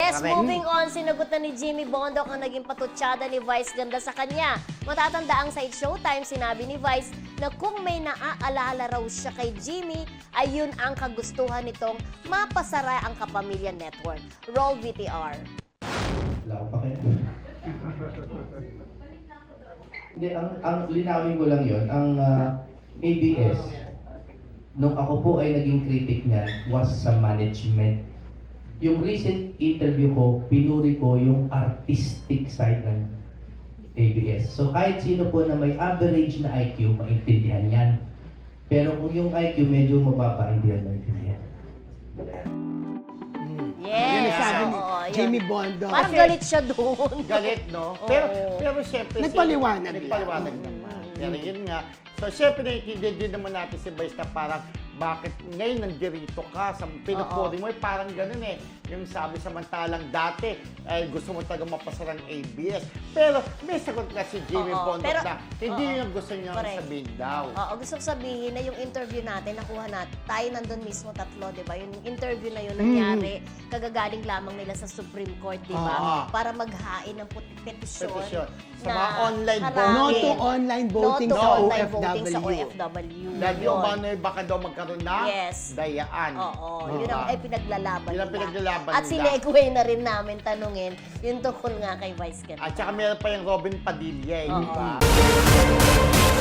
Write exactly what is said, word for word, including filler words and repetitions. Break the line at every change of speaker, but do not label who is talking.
Yes,
Correct.
moving on, sinagot na ni Jimmy Bondoc ang naging patutsada ni Vice ganda sa kanya. Matatanda ang sa Showtime, sinabi ni Vice na kung may naaalala raw siya kay Jimmy, ayun ang kagustuhan nitong mapasara ang Kapamilya Network. Roll V T R.
Wala pa kayo. Hindi, ang, ang linawin ko lang yon ang uh, A B S, nung ako po ay naging critic niyan, was sa management. Yung recent interview ko, pinuri ko yung artistic side ng A B S. So kahit sino po na may average na I Q, maintindihan yan. Pero kung yung I Q medyo mababa, hindi yan maintindihan.
Yes.
Yun ang sabi ni
oo, yun.
Jimmy Bondoc.
Parang
Kasi
galit siya doon.
Galit, no?
Oo.
Pero, pero siyempre...
Nagpaliwanag
si, Nagpaliwanag
lang.
naman. Pero yun nga. So, siyempre, naiintindihan din naman natin si Vice na parang bakit ngayon nandirito ka, sa pinupuri mo, eh, parang ganun eh. Yung sabi samantalang dati, ay gusto mo talaga mapasarang A B S. Pero may sagot nga si Jimmy
Oo,
Bondoc
pero-
na hindi
oo.
yun ang gusto niya
Correct.
sabihin daw.
Oo, gusto ko sabihin na yung interview natin, nakuha natin, tayo nandun mismo tatlo, di ba? Yung interview na yun nangyari, kagagaling lamang nila sa Supreme Court, di ba?
Oo.
Para maghain ng put- petisyon.
Petisyon. Sa
na
mga online
harapin.
No
voting.
to online voting
No to
sa
online
O F
voting sa O
W.
F W.
Dahil
Yun.
yung ano, baka daw magkaroon ng
Yes.
dayaan.
Oo, yun
Diba?
ang ay pinaglalaban
Yun ang
nila.
pinaglalaban
At
nila.
sinegue na rin namin tanungin yung tungkol nga kay Vice Ganda.
At saka meron pa yung Robin Padilla, eh, di
Oo.
ba?